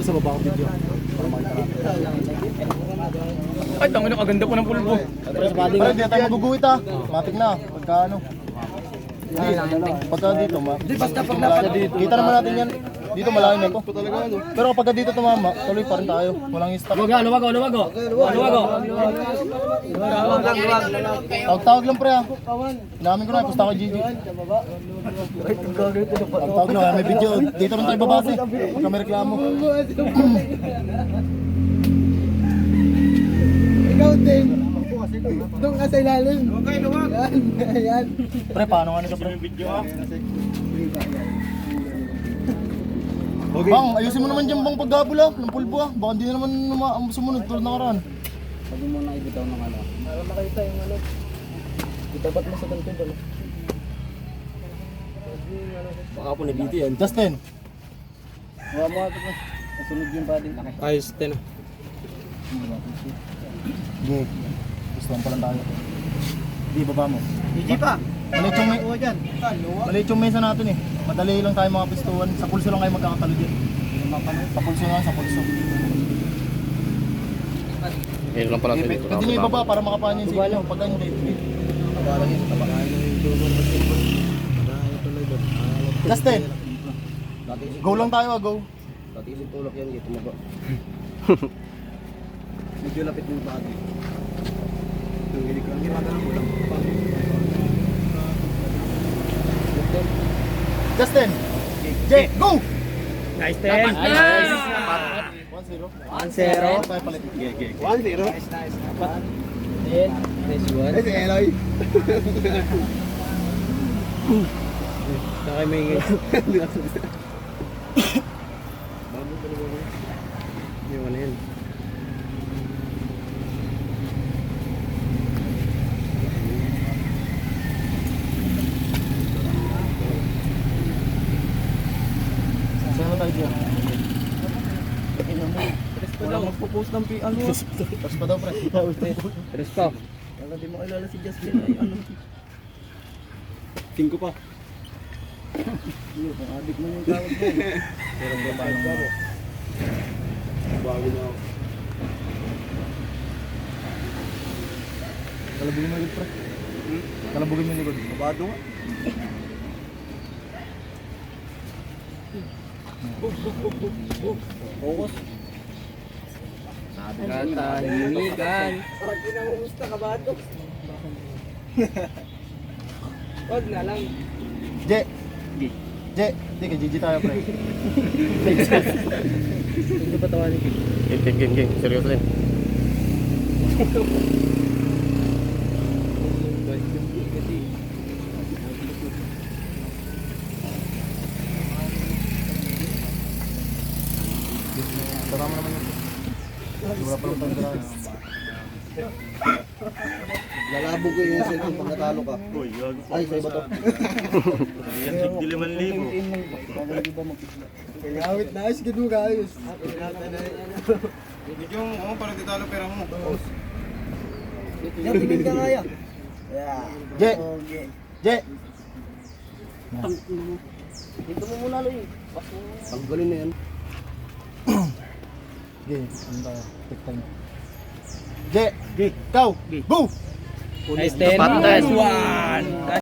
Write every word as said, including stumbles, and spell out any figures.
sa baba ko video. Para makita natin. Ay, tangin na kaganda po ng pulbo. Pero hindi na tayo maguguhit ha. Matik na. Pagka ano. Pagka dito, ma. Basta pag napad dito. Kita naman natin yan. Dito malayo na to. Pero pagka dito tumama, tuloy pa rin tayo. Walang stop. Luwago, luwago, luwago. Luwago. Tawag-tawag lang pre ha. Inamin ko na, pusta ko Gigi. Tawag-tawag lang, may video. Dito rin tayo babase. Pagka may reklamo. Ikaw din. Doon ka sa ilalim. Okay, luwag. Ayan. Pre, paano nga nito pre? Okay. Bang, ayusin mo naman dyan bang paggabol ah, ng pulbo ah. Baka hindi na naman numa- sumunod tulad ng karaan. Sabi mo na ibitaw ng ano. Para makita yung ano. Itapat mo sa ganito ba? Baka po nabiti yan. Justin! Huwa mo ito po. Nasunod yung padding. Ayos, ten. Sige, gustuhan pa lang tayo. Di, baba mo. Hindi pa. Maliit yung, may, maliit yung mesa natin eh. Madali lang tayo mga pistuan. Sa pulso lang kayo magkakatalo din. Sa pulso lang, sa pulso. Ngayon lang pala tayo dito. Pwede nyo ibaba para makapahan yung signal. Pagka hindi, kabalang yun. Justin! Go lang tayo ah, go. Dati yung tulak yan, dito mo ba? Medyo lapit mo ba ate? Hindi ko lang ginagawa mo lang. Justin! Jay, go! Nice, ten. one zero. one zero. Tayo palit. one zero. Nice, nice. Then, nice one. Nice, Eloy. Saka may ingay. Yung ano yun. Saan na tayo dyan? Wala magpo-post ng pi- ano. Tapos pa daw pre. Tres pa. Wala di mo kilala si Justin ay ano. Tingko pa. Iyo, kung adik mo yung tawag mo. Pero ba paano mo? Bago na ako. Kalabugin mo yung likod pre. Kalabugin mo yung likod. Babado nga. Focus. Katahimikan. Pag kinamumusta ka ba ito? Wag na lang. Je! Je! Hindi ka Gigi tayo pre. Hindi pa tawanin. Game, game, game, game. Seryoso din. Tara mo naman yun. Wala pa lang tanda. Lalabo ko yung cellphone pag natalo ka. Ay, sa iba to. Yan, tigdiliman libo. Kayawit na ayos, gano'n ka ayos. Medyo mo, parang titalo pera mo. Yan, tingin ka kaya. Yeah. Je! Okay. Je! Dito mo muna, Loy. Tanggalin na yan. Sige, ano tayo? Take time. Je! Ikaw! Go! Nice, ten. Nice one.